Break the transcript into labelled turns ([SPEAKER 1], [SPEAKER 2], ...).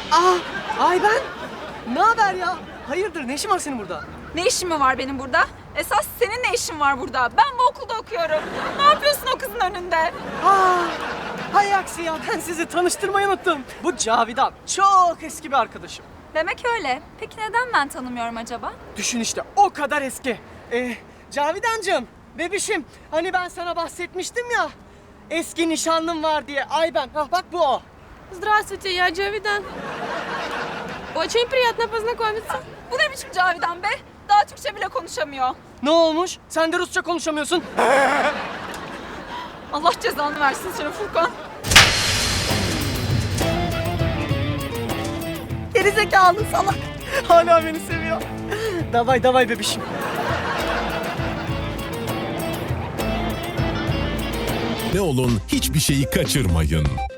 [SPEAKER 1] Ayben. Ne haber ya? Hayırdır, ne işin var senin burada?
[SPEAKER 2] Ne işin mi var benim burada? Esas senin ne işin var burada? Ben bu okulda okuyorum. Ne yapıyorsun o kızın önünde?
[SPEAKER 1] Hay aksi ya, ben sizi tanıştırmayı unuttum. Bu Cavidan, çok eski bir arkadaşım.
[SPEAKER 2] Demek öyle. Peki neden ben tanımıyorum acaba?
[SPEAKER 1] Düşün işte, o kadar eski. Cavidancığım, bebişim, hani ben sana bahsetmiştim ya. Eski nişanlım var diye, Ayben. Bak bu o.
[SPEAKER 3] Здравствуйте, я Джавидан. Очень приятно познакомиться.
[SPEAKER 2] Bu ne biçim Cavidan be? Daha Türkçe bile konuşamıyor.
[SPEAKER 1] Ne olmuş? Sen de Rusça konuşamıyorsun.
[SPEAKER 2] Allah cezanı versin seni Furkan.
[SPEAKER 1] Gerizekalı salak. Hala beni seviyor. Davay davay bebişim.
[SPEAKER 4] Ne olun hiçbir şeyi kaçırmayın.